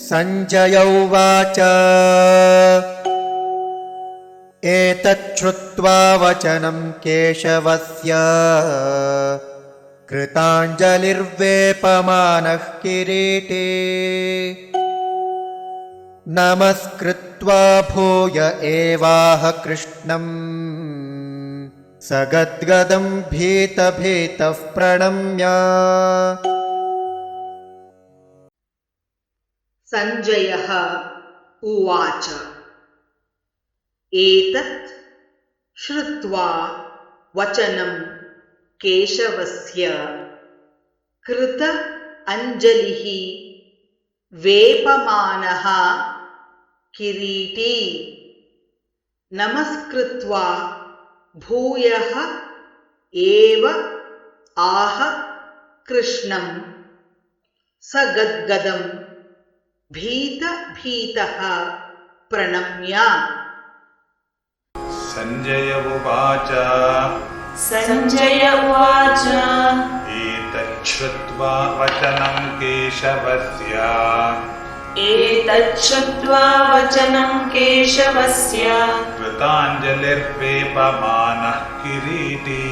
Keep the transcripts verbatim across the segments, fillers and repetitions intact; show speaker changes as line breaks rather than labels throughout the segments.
सञ्जय उवाच एतच्छ्रुत्वा वचनं केशवस्य कृताञ्जलिर्वेपमानः किरीटी नमस्कृत्वा भूय एवाह कृष्णम् सगद्गदं भीतभीतः प्रणम्य।
सञ्जयः उवाच एतत् श्रुत्वा वचनं केशवस्य कृत अंजलिः वेपमानः किरीटी नमस्कृत्वा भूयः एव आह कृष्णं सगद्गदं भीत भीतः प्रणम्य।
सञ्जय उवाच
सञ्जय उवाच
एतच्छ्रुत्वा वचनं केशवस्य
एतच्छ्रुत्वा वचनं केशवस्य
कृताञ्जलिर्वेपमानः किरीटी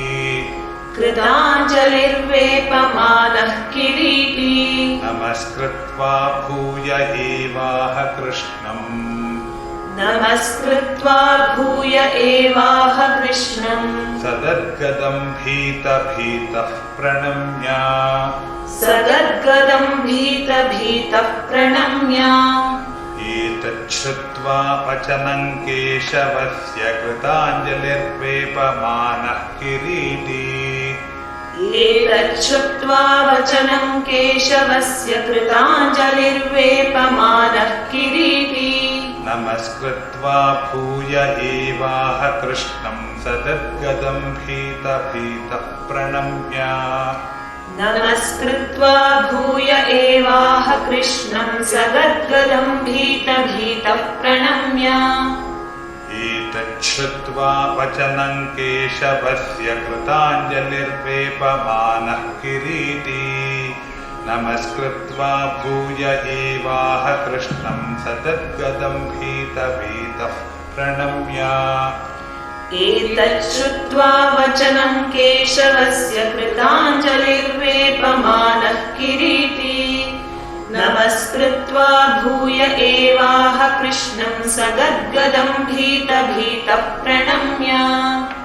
कृताञ्जलिर्वेपमानः किरीटी
नमस्कृत्वा भूय एवाह कृष्णम्
नमस्कृत्वा भूय एवाह कृष्णं
सगद्गदं भीतभीतः प्रणम्य।
सगद्गदं भीतभीतः प्रणम्य।
एतच्छ्रुत्वा वचनं केशवस्य कृताञ्जलिर्वेपमानः किरीटी
एतच्छ्रुत्वा वचनं केशवस्य कृताञ्जलिर्वेपमानः किरीटी
नमस्कृत्वा भूय एवाह कृष्णं सगद्गदं भीतभीतः प्रणम्य।
नमस्कृत्वा भूय एवाह कृष्णं सगद्गदं भीतभीतः प्रणम्य।
एतच्छ्रुत्वा वचनं केशवस्य कृताञ्जलिर्वेपमानः किरीटी नमस्कृत्वा भूय एवाह कृष्णं सगद्गदं भीतभीतः प्रणम्य।
एतच्छ्रुत्वा वचनं केशवस्य कृताञ्जलिर्वेपमानः किरीटी नमस्कृत्वा भूय एवाह कृष्णं सगद्गदं भीतभीतः प्रणम्य।